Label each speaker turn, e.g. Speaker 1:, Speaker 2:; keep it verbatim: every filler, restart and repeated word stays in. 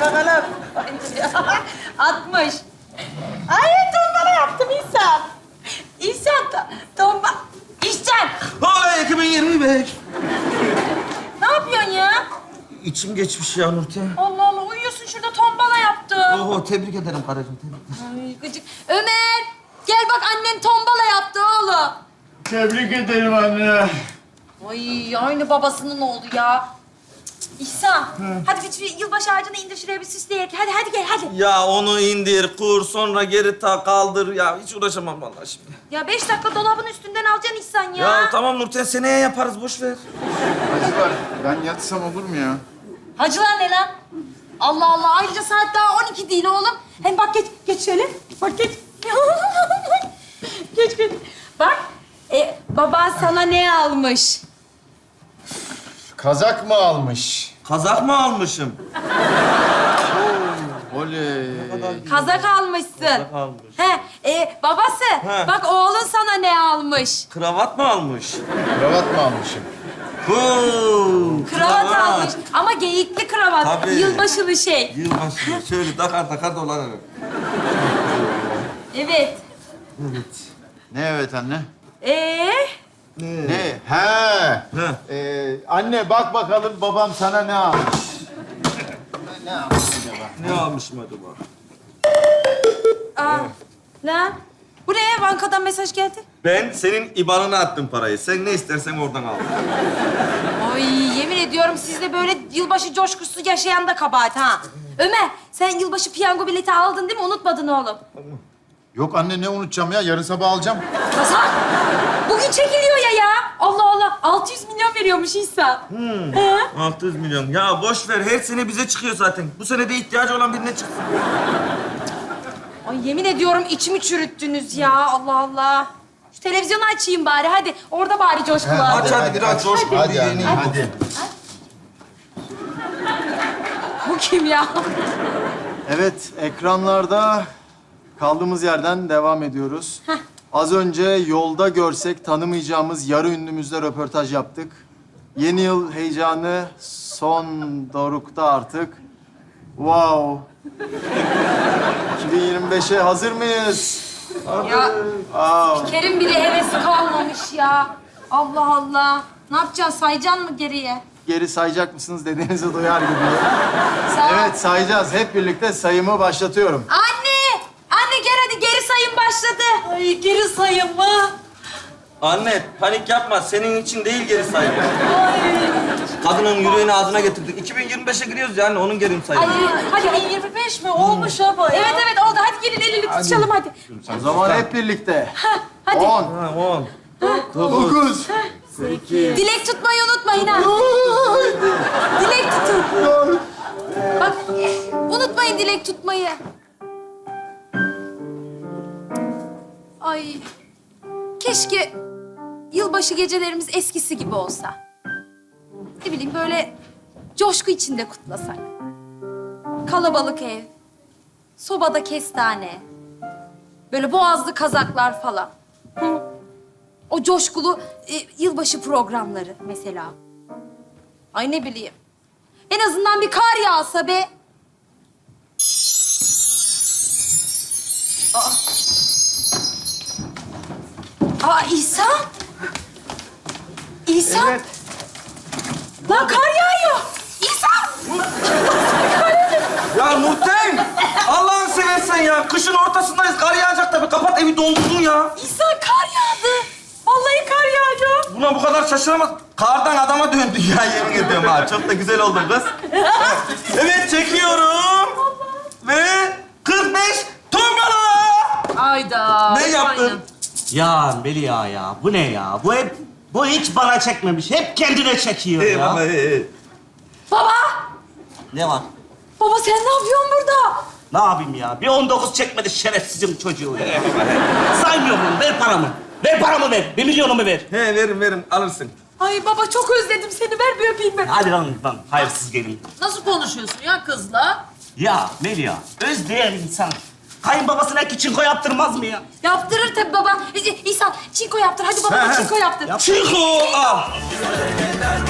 Speaker 1: bakalım.
Speaker 2: altmış.
Speaker 1: Ay tombala yaptım İhsan. İhsan to tomba... İhsan!
Speaker 3: Ay iki bin yirmi beş.
Speaker 2: Ne yapıyorsun ya?
Speaker 3: İçim geçmiş ya Nurten.
Speaker 2: Allah Allah uyuyorsun şurada tombala yaptım.
Speaker 3: Oho tebrik ederim karıcığım. Tebrik.
Speaker 2: Ay gıcık. Ömer gel bak annen tombala yaptı oğlum.
Speaker 4: Tebrik ederim anne.
Speaker 2: Ay aynı babasının oğlu ya. Cık, cık, İhsan hadi bir, bir yılbaşı ağacını indir şuraya bir süsleyek. Hadi hadi gel hadi.
Speaker 3: Ya onu indir, kur, sonra geri tak, kaldır. Ya hiç uğraşamam vallahi şimdi.
Speaker 2: Ya beş dakika dolabın üstünden alacaksın İhsan ya.
Speaker 3: Ya, tamam Nurten seneye yaparız boş ver.
Speaker 4: Hacılar, ben yatsam olur mu ya?
Speaker 2: Hacılar ne lan? Allah Allah ayrıca saat daha on iki değil oğlum. Hem bak geç geç şöyle. Bak geç. geç geç. Bak e, baban sana ne almış?
Speaker 4: Kazak mı almış?
Speaker 3: Kazak mı almışım?
Speaker 4: Oley.
Speaker 2: Kazak almışsın.
Speaker 3: Kazak almış.
Speaker 2: He, e, babası
Speaker 3: He.
Speaker 2: bak oğlun sana ne almış?
Speaker 3: Kravat mı almış?
Speaker 4: Kravat mı almışım?
Speaker 3: Huu,
Speaker 2: Kravat almış ama geyikli kravat.
Speaker 3: Tabii.
Speaker 2: Yılbaşılı şey.
Speaker 3: Yılbaşı şöyle takar takar dolanırım.
Speaker 2: Evet.
Speaker 3: Evet.
Speaker 4: Ne evet anne?
Speaker 2: Ee,
Speaker 3: Ne?
Speaker 4: Ne? He. Ee, anne bak bakalım babam sana ne almış? Ne almış acaba?
Speaker 3: Ne almışım acaba?
Speaker 2: aa, lan bu ne? Bankadan mesaj geldi.
Speaker 3: Ben senin ibanına attım parayı. Sen ne istersen oradan al.
Speaker 2: Ay yemin ediyorum sizde böyle yılbaşı coşkusu yaşayan da kabahat ha. Ömer sen yılbaşı piyango bileti aldın değil mi? Unutmadın oğlum.
Speaker 4: Yok anne ne unutacağım ya? Yarın sabah alacağım.
Speaker 2: Hasan bugün çekiliyor ya ya. Allah Allah altı yüz milyon veriyormuş İhsan.
Speaker 3: Hmm.
Speaker 2: He?
Speaker 3: altı yüz milyon. Ya boş ver. Her sene bize çıkıyor zaten. Bu sene de ihtiyacı olan birine çıksın.
Speaker 2: Ay yemin ediyorum içimi çürüttünüz ya. Allah Allah. Şu televizyonu açayım bari hadi. Orada bari coşku var.
Speaker 3: Aç hadi biraz coşkulu
Speaker 4: Hadi
Speaker 3: bir
Speaker 4: anne,
Speaker 3: yeneyim.
Speaker 4: hadi.
Speaker 2: Bu kim ya?
Speaker 5: Evet, ekranlarda kaldığımız yerden devam ediyoruz. Az önce yolda görsek tanımayacağımız yarı ünlümüzle röportaj yaptık. Yeni yıl heyecanı son dorukta artık. Wow. iki bin yirmi beşe hazır mıyız?
Speaker 2: Ya
Speaker 5: Wow.
Speaker 2: Kerim bile hevesi kalmamış ya. Allah Allah. Ne yapacaksın? Sayacaksın mı geriye?
Speaker 5: Geri sayacak mısınız dediğinizi duyar gibi.
Speaker 2: Sağ ol.
Speaker 5: Evet, sayacağız. Hep birlikte sayımı başlatıyorum.
Speaker 2: Anne! Anne gel hadi geri sayım başladı. Ay geri sayım mı?
Speaker 3: Anne panik yapma. Senin için değil geri sayım. Kadının yüreğini ağzına getirdik. iki bin yirmi beşe giriyoruz yani onun geri sayımı.
Speaker 2: Hadi hadi yirmi beş mi? Olmuş ama ya. Evet evet oldu. Hadi gelin el ele tutuşalım hadi.
Speaker 5: O zaman hep birlikte.
Speaker 2: Hadi.
Speaker 5: On,
Speaker 3: Ha, on.
Speaker 5: dokuz,
Speaker 2: Dilek tutmayı unutmayın ha. Dilek tutun. Bak unutmayın dilek tutmayı. Ay keşke yılbaşı gecelerimiz eskisi gibi olsa. Ne bileyim böyle coşku içinde kutlasak. Kalabalık ev, sobada kestane, böyle boğazlı kazaklar falan. Hı. O coşkulu e, yılbaşı programları mesela. Ay ne bileyim. En azından bir kar yağsa be. Aa. Aa İhsan. İhsan.
Speaker 5: Evet.
Speaker 2: Lan kar yağıyor. İhsan.
Speaker 3: Ya Nurten! Allah'ını seversen ya. Kışın ortasındayız. Kar yağacak tabii. Kapat evi doldurdun ya.
Speaker 2: İhsan kar yağdı. Vallahi kar yağıyor.
Speaker 3: Buna bu kadar şaşıramaz. Kardan adama döndü ya yemin ediyorum ha. Çok da güzel oldun kız. Evet çekiyorum. Ve kırk beş tombala.
Speaker 2: Ayda.
Speaker 3: Ne yaptın?
Speaker 6: Ya Melia ya, bu ne ya? Bu hep, bu hiç bana çekmemiş. Hep kendine çekiyor ya.
Speaker 3: Eyvallah. ee.
Speaker 2: Baba.
Speaker 6: Ne var?
Speaker 2: Baba sen ne yapıyorsun burada?
Speaker 6: Ne yapayım ya? Bir on dokuz çekmedi şerefsizim çocuğu ya. Saymıyorum bunu. Ver paramı. Ver paramı ver. Bir milyonumu ver.
Speaker 3: He verim verim alırsın.
Speaker 2: Ay baba çok özledim seni. Ver bir öpeyim ben.
Speaker 6: Hadi lan lan. Hayırsız gelin.
Speaker 1: Nasıl konuşuyorsun ya kızla?
Speaker 6: Ya Melia, özleyen insan kayınbabasına iki çinko yaptırmaz mı ya?
Speaker 2: Yaptırır tabii baba. İ- İhsan çinko yaptır. Hadi baba çinko yaptır.
Speaker 6: Yap.
Speaker 3: Çiko al.